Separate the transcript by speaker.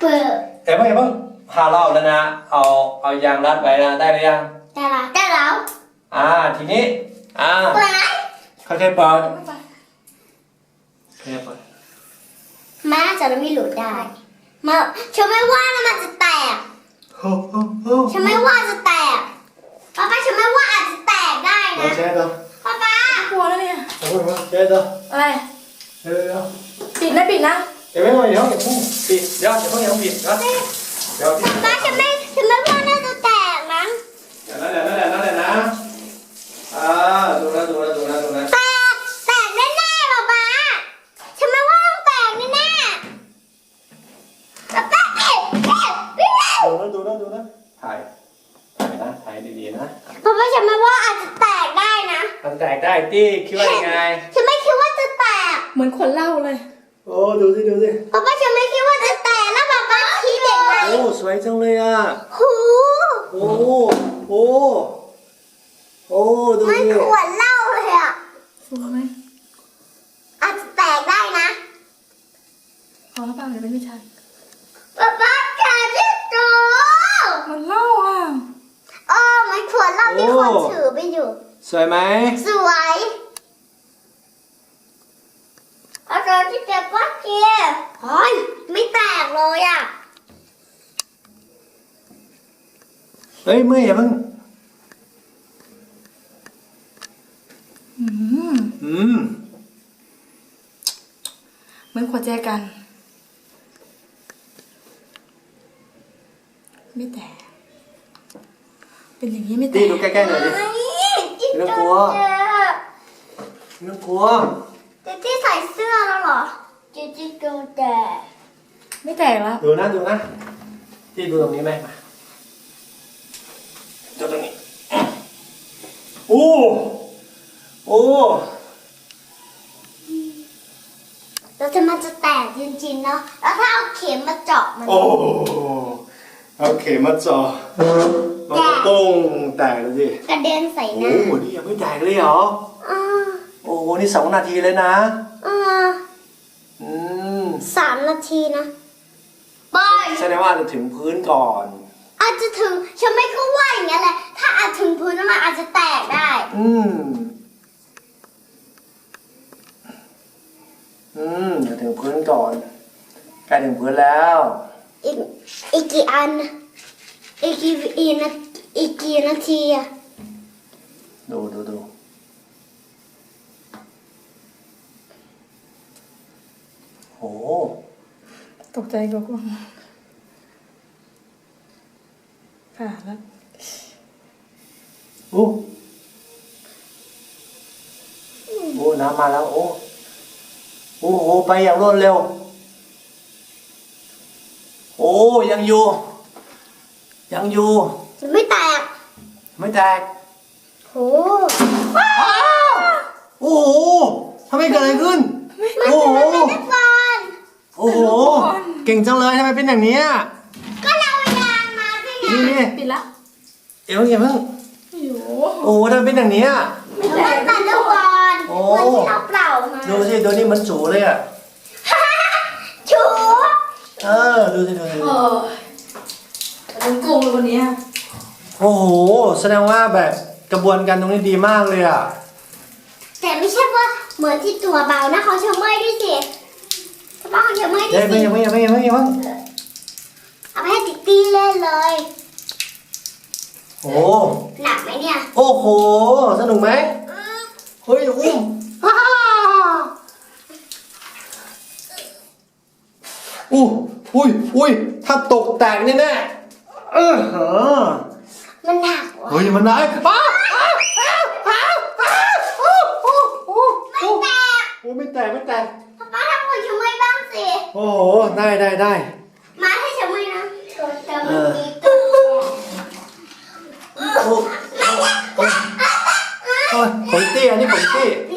Speaker 1: เปิด
Speaker 2: เพิ่งพาเราแล้วนะเอายางรัดไว้นะได้หรือยัง
Speaker 1: ได้แล้ว
Speaker 2: ทีนี้
Speaker 1: เปิด
Speaker 2: ค่อยๆเปิด
Speaker 1: แม่จะไม่หลุดได้มาฉันไม่ว่านะมันจะแตกฉันไม่ว่าจะแตกป้าฉันไม่ว่าอาจจะแตกได้นะ
Speaker 2: เช็ดเหรอ
Speaker 1: ป้าก
Speaker 3: ลัวแล้วเนี่ย
Speaker 2: เช็ดเหรอ
Speaker 3: อะไรปิดนะ
Speaker 2: เดี๋ยวอย่าเพิ่งปิดเดี๋ยวอย่าเพิ่งปิดนะ
Speaker 1: ป้าฉันไม่ว่าน่าจะแตกนะ
Speaker 2: นั่นแหละนะดูนะ
Speaker 1: แตกแน่ๆป้าฉันไม่ว่าต้องแตกแน่ๆป้า
Speaker 2: ดูนะถ่ายดีๆนะ
Speaker 1: ป้าฉันไม่ว่าอาจจะแตกได้นะ
Speaker 2: มันแตกได้ตี้คิดว่ายังไง
Speaker 1: ฉันไม่คิดว่าจะแตก
Speaker 3: เหมือนคนเล่าเลย
Speaker 2: โอ้ดูสิ
Speaker 1: ป้าฉันไม่คิดว่าจะแตกแล้วป้าคิดยังไง
Speaker 2: โอ้สวยจังเลยโอ้ดู
Speaker 1: มันขวดเหล้าเลย
Speaker 3: สวยไหม
Speaker 1: อาจจะแตกได้นะ
Speaker 3: ขอเปล่าเดี๋ยวไม่ใช่
Speaker 1: ป้าแกที่ดู
Speaker 3: มันเล่า
Speaker 1: มันขวดเหล้าที่คนถือไปอยู่
Speaker 2: สวยไหม
Speaker 1: สวยอาจารย์ที่เจ็บป้าเกียร์ไม่แตกเลย
Speaker 2: เฮ้ยเมื่อยอย่าเพิ่ง
Speaker 3: เหมือนขวดแจกันไม่แตกเป็นอย่างนี้ไม่แตก
Speaker 2: ดูใกล้ๆหน่อยดิไม่ต้องกลัว
Speaker 1: เจ๊ที่ใส่เสื้อแล้วเหรอเจ๊ดูแต่
Speaker 3: ไม่แตกแล้ว
Speaker 2: ดูนะที่ดูตรงนี้ไหมดูตรงนี้โอ้
Speaker 1: แล้วมันจะแตกจริงๆเนาะแล้วถ้าเอาเข็มมาเจาะมัน
Speaker 2: เอาเข็มมาเจาะมันก็ต้องแตกเลยสิ
Speaker 1: กระเด็นใส่หน้า
Speaker 2: นี่ยังไม่แตกเลยเหรอนี่2 นาทีเลยนะ
Speaker 1: 3 นาทีนะบอย
Speaker 2: แสดงว่าจะถึงพื้นก่อน
Speaker 1: อาจจะถึงฉันไม่ก็ว่าอย่างนี้แหละถ้าอาจถึงพื้นมันอาจจะแตกได้
Speaker 2: จะถึงพื้นก่อนใกล้ถึงพื้นแล้ว
Speaker 1: อีกกี่อันอีกกี่นาที
Speaker 2: ดูโอ้
Speaker 3: ตกใจกว่าผ่าแล้ว
Speaker 2: โอ้น้ำมาแล้วโอ้โหไปอย่างรวดเร็วยังอยู่
Speaker 1: ไม่แตกโ
Speaker 2: อ้โหทำไมเกิดอะไรขึ้นโอ้โหเก่งจังเลยทำไมเป็นอย่างนี้
Speaker 1: ก็เรายางมาสิ
Speaker 2: นี่
Speaker 3: ปิดละ
Speaker 2: อย่าเพิ่งโอ้ทำไมเป็นอย่างนี้
Speaker 1: ไม่แตกแต่ละวันวันที่เราเปล่ามา
Speaker 2: ดูสิตัวนี้มันจูเลย
Speaker 1: จู
Speaker 2: ดูสิ
Speaker 3: มันโกงเลยวันนี้
Speaker 2: โอ้โหแสดงว่าแบบกระบวนการตรงนี้ดีมากเลย
Speaker 1: แต่ไม่ใช่ว่าเหมือนที่ตัวเบานะเขาเชื่อเมื่อยด้วยสิป้าเขาเชื่อเมื่อยด้วยสิ
Speaker 2: อย่า
Speaker 1: เอาไปให้ติ๊กตี้เล่นเลยหนักไหมเนี่ย
Speaker 2: โอ้โหสนุกไหมเฮ้ยอุ้มอุ้ยถ้าตกแตกแน่
Speaker 1: มันหนัก
Speaker 2: เฮ้ยมันหนักไม่แตก
Speaker 1: ป้าทำมือช่วยบ้างสิ
Speaker 2: โอ้โหได้
Speaker 1: มาให้ช่วยนะ
Speaker 2: ของตี้อันนี้ของตี้